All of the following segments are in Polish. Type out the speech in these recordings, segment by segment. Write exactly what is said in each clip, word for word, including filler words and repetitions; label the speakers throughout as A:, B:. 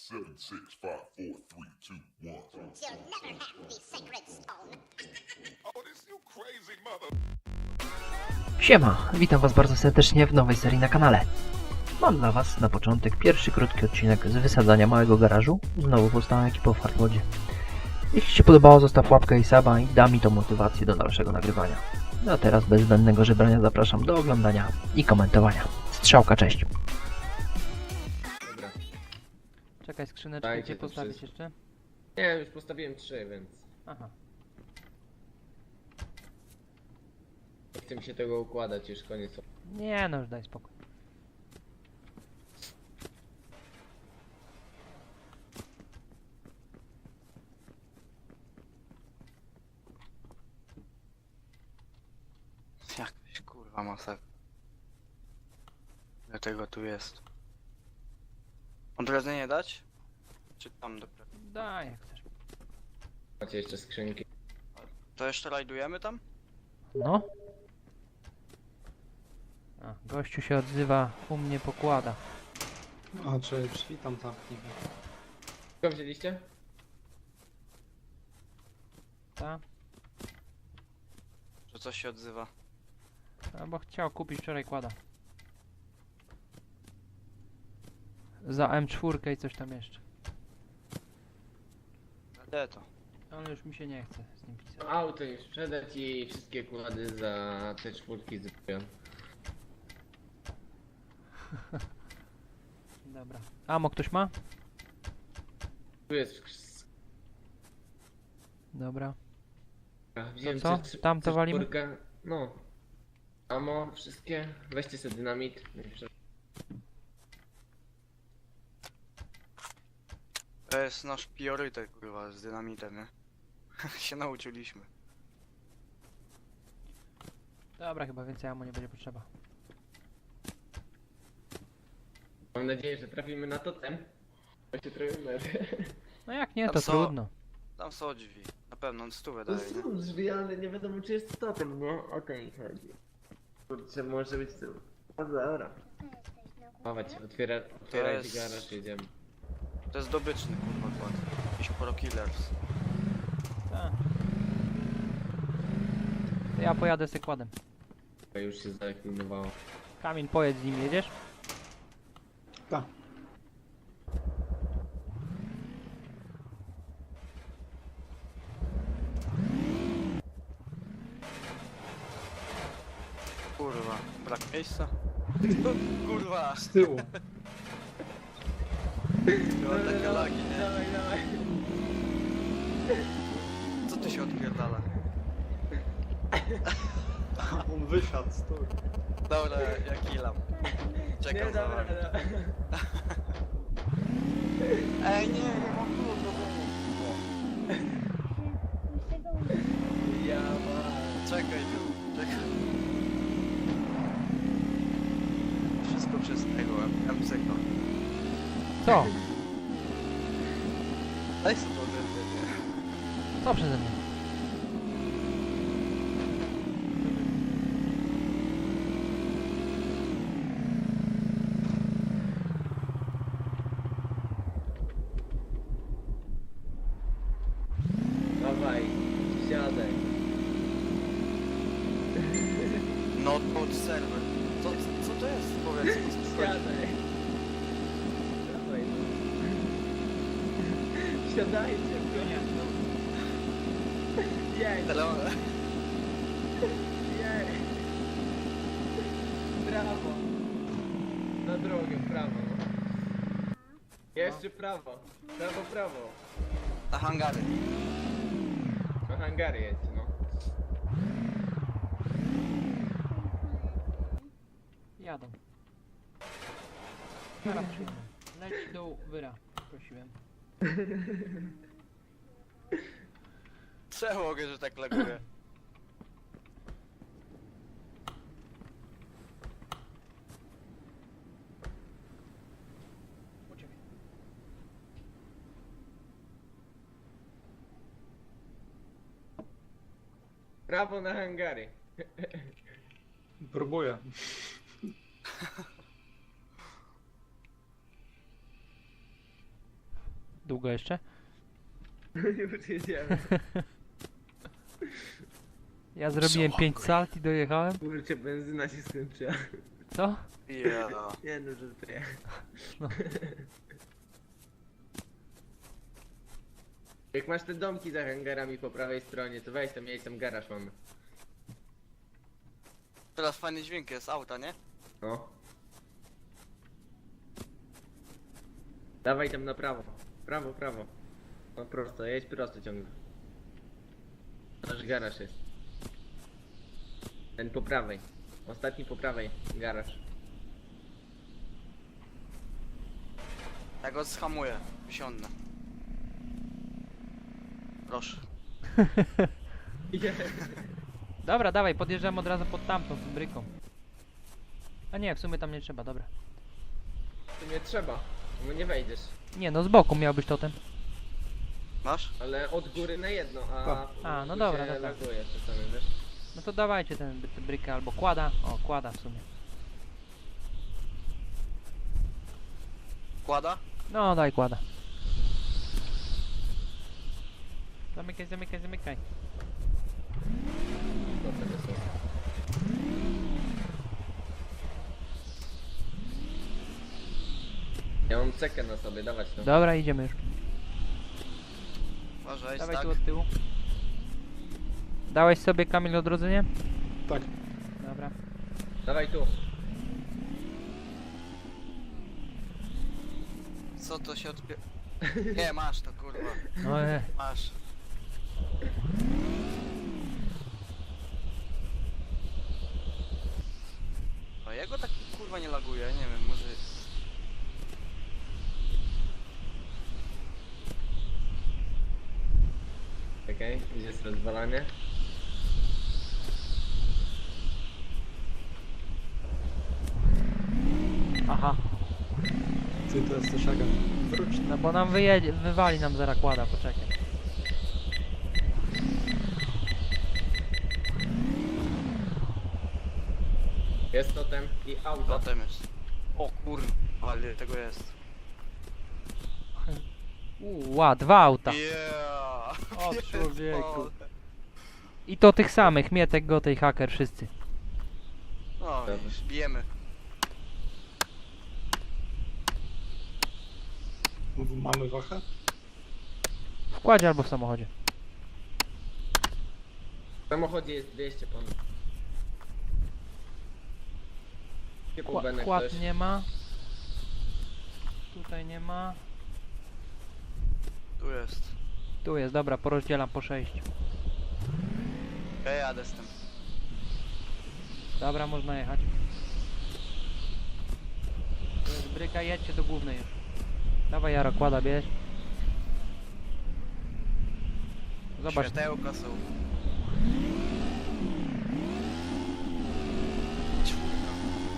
A: seven, six, five, four, three, two, one.
B: You'll never have the sacred stone.
A: Oh, this you crazy mother.
C: Siema, witam was bardzo serdecznie w nowej serii na kanale. Mam dla was na początek pierwszy krótki odcinek z wysadzania małego garażu, znowu powstałą ekipą w Hardmodzie. Jeśli ci się podobało, zostaw łapkę i suba i da mi to motywację do dalszego nagrywania. No a teraz bez zbędnego żebrania zapraszam do oglądania i komentowania. Strzałka, cześć!
D: Dobra.
C: Czekaj, skrzyneczkę
D: Dajcie
C: gdzie
D: to
C: postawić
D: wszystko.
C: jeszcze?
D: Nie, już postawiłem trzy, więc
C: Aha.
D: nie chcę mi się tego układać, już koniec.
C: Nie no, już daj spokój.
E: Jakaś kurwa masakra. Dlatego tu jest. Od razu nie dać? Czy tam dopiero?
C: Daj jak chcesz.
D: Macie jeszcze skrzynki.
E: To jeszcze rajdujemy tam?
C: No. A, gościu się odzywa, u mnie pokłada.
F: A, czy drzwi tam zamknij.
D: Co wzięliście?
C: Ta?
E: Że coś się odzywa?
C: A, bo chciał kupić wczoraj kłada. Za M cztery i coś tam jeszcze.
E: Gdzie to?
C: Ale już mi się nie chce z nim pisać.
D: Auto już sprzedać i wszystkie kłady za te czwórki zypują.
C: Dobra. Amo ktoś ma?
D: Tu jest sk-
C: Dobra.
D: wziąłem
C: co?
D: C-
C: Tam to
D: C
C: walimy?
D: czwórkę. No. Amo, wszystkie. Weźcie sobie dynamit.
E: To jest nasz priorytet kurwa z dynamitem, nie? się nauczyliśmy.
C: Dobra, chyba więcej amo nie będzie potrzeba.
D: Mam nadzieję, że trafimy na totem. Bo się trafimy.
C: No jak nie,
E: Tam
C: to
E: są-
C: trudno.
E: Tam są drzwi. Na pewno on stówę
D: To
E: daje, nie?
D: są drzwi, ale nie wiadomo czy jest totem, no. O to mi chodzi. Kurczę, może być tu. O, dobra. Chować, otwiera, otwierajcie
E: jest-
D: garaż, jedziemy.
E: To jest dobyczny kurwa kład. Jakiś pro killers.
C: Tak. To ja pojadę z kładem.
D: To już się zaeklinowało.
C: Kamil, pojedź z nim, jedziesz?
F: Tak.
E: Kurwa, brak miejsca? kurwa!
F: Z tyłu.
E: Była takie lagi, nie?
D: Dawaj, dawaj.
E: Co tu się odpierdala?
F: On wysiadł, stój.
E: Dobra, ja killam. Czekam
D: Nie,
E: za
D: dobra,
E: wami.
D: dobra.
E: Ej, nie, nie mam klucz do domu.
D: Ja ma.
E: Czekaj tu, czekaj. Wszystko przez tego M C K.
C: Co?
E: Daj sobie to ode mnie.
C: Co przeze mnie?
D: Dawaj, siadaj.
E: Notebook server. Co, co to jest? Powiedz mi, co to jest?
D: Siadaj. Dawaj. Siadajcie, konia. Jej,
E: Tele...
D: jej. Prawo. Na drogę, w prawo. Jeszcze prawo. Prawo, prawo.
E: Na hangary.
D: Na hangary jedźcie, no.
C: Jadą. Teraz przyjdę. Leć dół, wyra. Prosiłem.
E: Czemu mogę, że tak laguje?
C: Uciekaj.
D: Prawo na hangary.
C: Długo jeszcze?
D: Już jedziemy.
C: Ja zrobiłem
E: So
C: pięć
E: hungry.
C: salt i dojechałem.
D: Kurczę, benzyna się skończyła.
C: Co?
E: Yeah.
D: Nie no, że to ja.
C: No.
D: Jak masz te domki za hangarami po prawej stronie, to weź tam, miej tam garaż mamy.
E: Teraz fajny dźwięk jest auta, nie?
D: No. Dawaj tam na prawo. Prawo, prawo. No prosto, jedź prosto ciągle. Nasz garaż jest. Ten po prawej. Ostatni po prawej. Garaż.
E: Ja go zhamuję. Wysiądę. Proszę.
C: Dobra, dawaj, podjeżdżam od razu pod tamtą fabryką. A nie, w sumie tam nie trzeba, dobra.
D: Tu nie trzeba, bo nie wejdziesz.
C: Nie, no z boku miał być totem.
E: Masz?
D: Ale od góry na jedno, a...
C: A, no
D: tu
C: dobra,
D: się
C: no tak.
D: laguje czasami, wiesz?
C: No to dawajcie ten tę brykę albo kłada. O, kłada w sumie.
E: Kłada?
C: No, daj kłada. Zamykaj, zamykaj, zamykaj.
D: Dobra, to są. Ja mam cekę na sobie, dawać to.
C: Dobra, idziemy już.
E: Uważaj,
C: Dawaj
E: tak.
C: tu od tyłu. Dałeś sobie, Kamil, odrodzenie?
F: Tak.
C: Dobra.
D: Dawaj tu.
E: Co to się odpie... Nie, masz to kurwa.
C: No e.
E: Masz. A jego tak kurwa nie laguje, nie wiem, może...
D: Okej, okay, jest rozwalanie.
C: Aha.
F: Ty to jesteś agent. Wróć.
C: No bo nam wyjedzie, wywali nam zaraz kłada, poczekaj.
D: Jest totem i auto.
E: Potem jest. O kurwa, ale tego jest.
C: Uła, dwa auta.
E: Yeah!
C: O, człowieku.
E: Pierdolę.
C: I to tych samych, Mietek, Gotej, Haker, wszyscy.
E: No, już bijemy.
F: Mamy wachę?
C: W kładzie albo w samochodzie.
D: W samochodzie jest dwieście ponad. Typu
C: Kła
D: Benek
C: kład
D: ktoś.
C: nie ma. Tutaj nie ma.
E: Tu jest.
C: Tu jest, dobra, porozdzielam po sześć.
E: Ja jadę z tym.
C: Dobra, można jechać. To jest bryka, jedźcie do głównej już. Dawaj, Jaro, kłada, bierz. Zobacz.
E: Światełka są. Czwórka.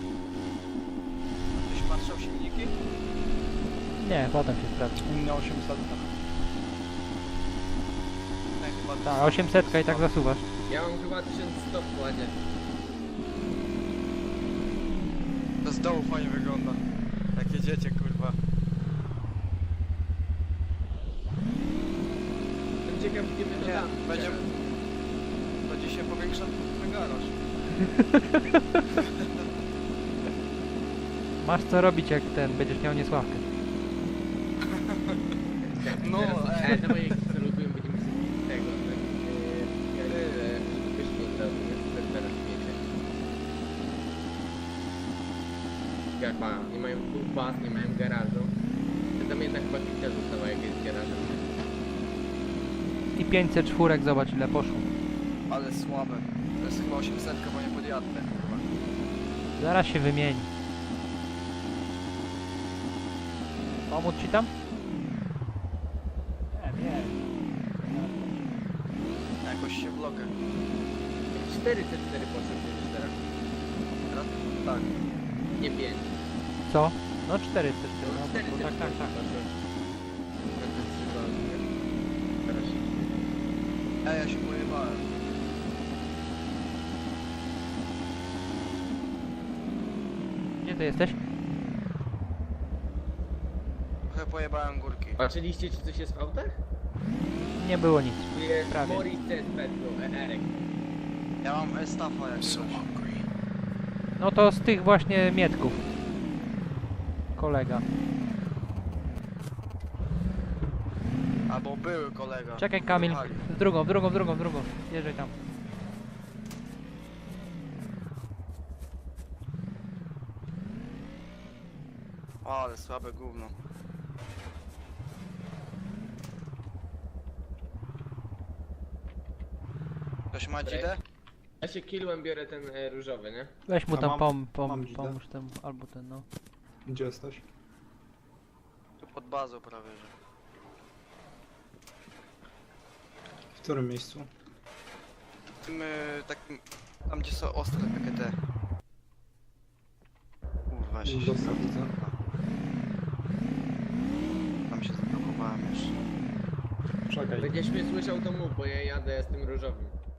E: Ktoś patrzał silniki?
C: Nie, potem się sprawdzi.
F: U mnie osiemset.
E: Tak, chyba
C: Tak, osiemset i tak zasuwasz.
D: Ja mam chyba tysiąc sto w kładzie.
E: To z dołu fajnie wygląda. Jak jedziecie, kurwa.
D: Jestem ciekaw, gdzie my to
E: Nie,
D: damy.
E: będzie... Będzie się powiększał ten garaż.
C: Masz co robić, jak ten, będziesz miał niesławkę.
E: No,
D: Teraz,
E: ej.
D: e, dawaj, jak zalogujemy, będziemy sobie tego, tak, e, e, wyśmieć to, jak teraz wiecie. Jak ma, nie mają dwóch baz, nie mają garażu. To tam jednak chyba kilka została, jak jest garażem.
C: I pięćset czwórek, zobacz ile poszło.
E: Ale słabe. To jest chyba osiemset, bo nie podjadę, kurwa.
C: Zaraz się wymieni. Pomóc ci tam? Nie, nie.
E: Jakoś się blokę.
D: cztery C cztery poszedł już teraz.
E: Teraz?
D: Tak. Nie pięć.
C: Co? No czterysta cztery,
D: No
C: no,
D: cztery
C: bo,
D: C
C: tak, tak, tak.
D: poszedł. Będę trzymał, nie? Teraz się...
E: Ja, ja się pojebałem.
C: Gdzie ty jesteś?
E: Trochę pojebałem górki.
D: Patrzyliście, czy coś jest w autach?
C: Nie było nic.
D: Tu jest
C: Prawie.
D: Morris Ted Petro, Erek.
E: Ja mam estafa jak coś.
C: No to z tych właśnie mietków. Kolega.
E: Albo były kolega.
C: Czekaj Kamil,
E: Wyjechali.
C: w drugą, w drugą, w drugą, w drugą. Jeżdżaj tam.
E: O, ale słabe gówno. Ktoś ma dzidę?
D: Ja się kilłem biorę ten e, różowy, nie?
C: Weź mu
F: A
C: tam
F: mam-
C: pom, pom,
F: mam dzidę.
C: pomóż temu, albo ten no.
F: Gdzie jesteś?
E: Tu pod bazą prawie, że.
F: W którym miejscu?
E: W tym y, takim... Tam gdzie są ostre takie te... Uff, właśnie się
F: Dostał, widzę.
E: Tam się zablokowałem już.
F: Czekaj.
D: Będziesz mnie słyszał, to mów, bo ja jadę z tym różowym.